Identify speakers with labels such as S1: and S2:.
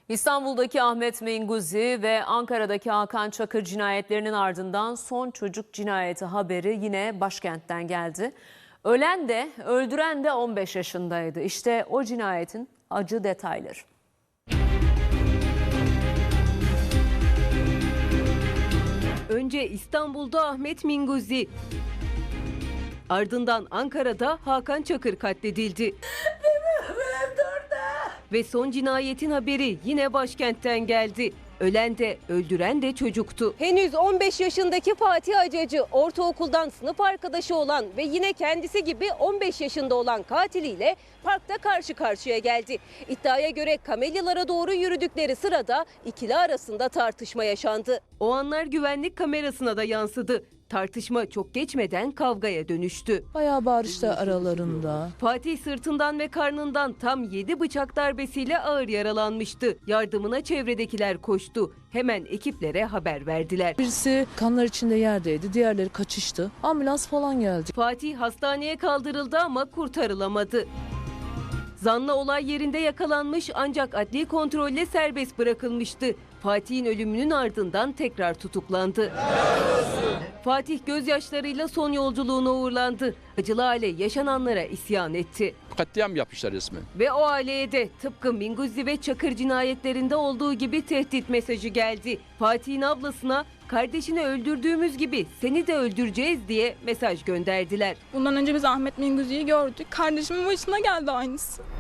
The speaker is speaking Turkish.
S1: İstanbul'daki Ahmet Menguzi ve Ankara'daki Hakan Çakır cinayetlerinin ardından son çocuk cinayeti haberi yine başkentten geldi. Ölen de öldüren de 15 yaşındaydı. İşte o cinayetin acı detayları.
S2: Önce İstanbul'da Ahmet Menguzi, ardından Ankara'da Hakan Çakır katledildi. Ve son cinayetin haberi yine başkentten geldi. Ölen de öldüren de çocuktu. Henüz 15 yaşındaki Fatih Acacı ortaokuldan sınıf arkadaşı olan ve yine kendisi gibi 15 yaşında olan katiliyle parkta karşı karşıya geldi. İddiaya göre kamelyalara doğru yürüdükleri sırada ikili arasında tartışma yaşandı. O anlar güvenlik kamerasına da yansıdı. Tartışma çok geçmeden kavgaya dönüştü.
S3: Bayağı bağırışlar aralarında.
S2: Fatih sırtından ve karnından tam 7 bıçak darbesiyle ağır yaralanmıştı. Yardımına çevredekiler koştu. Hemen ekiplere haber verdiler.
S3: Birisi kanlar içinde yerdeydi, diğerleri kaçıştı. Ambulans falan geldi.
S2: Fatih hastaneye kaldırıldı ama kurtarılamadı. Zanlı olay yerinde yakalanmış ancak adli kontrolle serbest bırakılmıştı. Fatih'in ölümünün ardından tekrar tutuklandı. Fatih gözyaşlarıyla son yolculuğuna uğurlandı. Acılı aile yaşananlara isyan etti.
S4: Katliam yapmışlar resmen.
S2: Ve o aileye de tıpkı Menguzi ve Çakır cinayetlerinde olduğu gibi tehdit mesajı geldi. Fatih'in ablasına kardeşini öldürdüğümüz gibi seni de öldüreceğiz diye mesaj gönderdiler.
S5: Bundan önce biz Ahmet Menguzi'yi gördük. Kardeşimin başına geldi aynısı.